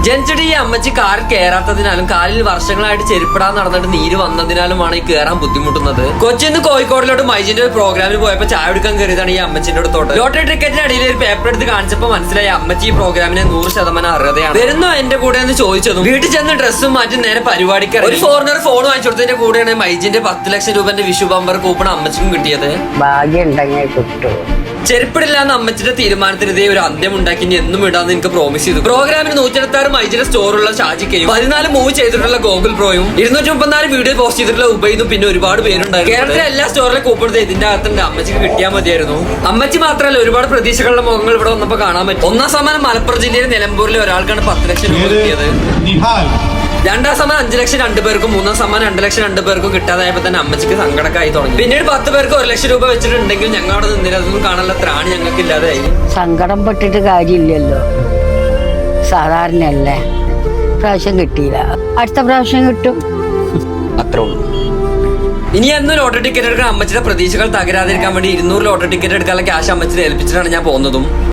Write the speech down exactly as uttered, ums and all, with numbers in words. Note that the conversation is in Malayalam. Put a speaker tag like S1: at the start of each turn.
S1: ജനിച്ചിട്ട് ഈ അമ്മച്ചി കാറിൽ കയറാത്തതിനാലും കാലിൽ വർഷങ്ങളായിട്ട് ചെരുപ്പിടാൻ നടന്നിട്ട് നീര് വന്നതിനാലുമാണ് ഈ കയറാൻ ബുദ്ധിമുട്ടുന്നത്. കൊച്ചിന്ന് കോഴിക്കോടിലോട്ട് മൈജിന്റെ ഒരു പ്രോഗ്രാമിൽ പോയപ്പോ ചായ എടുക്കാൻ കയറിയതാണ് ഈ അമ്മച്ചിന്റെ അടുത്തോട്ട്. ലോട്ടറി ടിക്കറ്റിന്റെ അടിയിൽ ഒരു പേപ്പർ എടുത്ത് കാണിച്ചപ്പോ മനസ്സിലായി അമ്മച്ചി ഈ പ്രോഗ്രാമിന് നൂറ് ശതമാനം അർഹതയാണ്. വരുന്നോ എന്റെ കൂടെ എന്ന് ചോദിച്ചതും വീട്ടിൽ ചെന്ന് ഡ്രസ്സും മാറ്റി നേരെ പരിപാടിക്ക് ഒരു ഫോറിനർ ഫോൺ വാങ്ങിച്ചു കൊടുത്തതിന്റെ കൂടെയാണ് മൈജിന്റെ പത്ത് ലക്ഷം രൂപന്റെ വിഷു ബമ്പർ കൂപ്പൺ അമ്മച്ചിക്കും കിട്ടിയത്.
S2: ഭാഗ്യം ഉണ്ടെങ്കിൽ കിട്ടും.
S1: ചെരുപ്പിടില്ലാന്ന് അമ്മച്ചിന്റെ തീരുമാനത്തിനെതിരെ ഒരു അന്ത്യം ഉണ്ടാക്കി ഇനി എന്നും ഇടാന്ന് എനിക്ക് പ്രോമിസ് ചെയ്തു. പ്രോഗ്രാമിന് നൂറ്റി എഴുപത്തി ആറ് മൈജിന്റെ സ്റ്റോറുള്ള ഷാജിക്കയും പതിനാല് മൂവ് ചെയ്തിട്ടുള്ള ഗോകുൽ പ്രോയും ഇരുന്നൂറ്റി മുപ്പത്തിനാല് വീഡിയോ പോസ്റ്റ് ചെയ്തിട്ടുള്ള ഉബൈദും പിന്നെ ഒരുപാട് പേരുണ്ടായിരുന്നു. കേരളത്തിലെ എല്ലാ സ്റ്റോറിലെ കൂപ്പൺ ഇതിന്റെ അകത്തുണ്ട്. അമ്മച്ചിക്ക് കിട്ടിയാൽ മതിയായിരുന്നു. അമ്മച്ചി മാത്രമല്ല ഒരുപാട് പ്രതീക്ഷകളുടെ മുഖങ്ങൾ ഇവിടെ വന്നപ്പോ കാണാൻ പറ്റും. ഒന്നാം സമ്മാനം മലപ്പുറം ജില്ലയിലെ നിലമ്പൂരിലെ ഒരാൾക്കാണ് പത്ത് ലക്ഷം രൂപ കിട്ടിയത്. രണ്ടാം സമ്മാനം അഞ്ചു ലക്ഷം രണ്ടു പേർക്കും മൂന്നാം സമ്മാനം രണ്ട് ലക്ഷം രണ്ടു പേർക്കും കിട്ടാതായപ്പോ തന്നെ അമ്മച്ചിക്ക് സങ്കടക്കായി തുടങ്ങി. പിന്നീട് പത്ത് പേർക്ക് ഒരു ലക്ഷം രൂപ വെച്ചിട്ടുണ്ടെങ്കിൽ ഞങ്ങൾ അവിടെ നിന്നില്ല. അതൊന്നും കാണാനുള്ള ത്രാണി ഞങ്ങൾക്ക് ഇല്ലാതായി.
S2: സങ്കടം പെട്ടിട്ട് കാര്യമില്ലല്ലോ, സാധാരണയല്ലേ. പ്രാവശ്യം കിട്ടിയില്ല, അടുത്ത പ്രാവശ്യം കിട്ടും,
S1: അത്രേ ഉള്ളൂ. ഇനി എന്നും ലോട്ടറി ടിക്കറ്റ് എടുക്കാൻ അമ്മച്ചിയുടെ പ്രതീക്ഷകൾ തകരാതിരിക്കാൻ വേണ്ടി ഇരുന്നൂറ് ലോട്ടറി ടിക്കറ്റ് എടുക്കാനുള്ള ക്യാഷ് അമ്മച്ചിനെ ഏൽപ്പിച്ചിട്ടാണ് ഞാൻ പോകുന്നതും.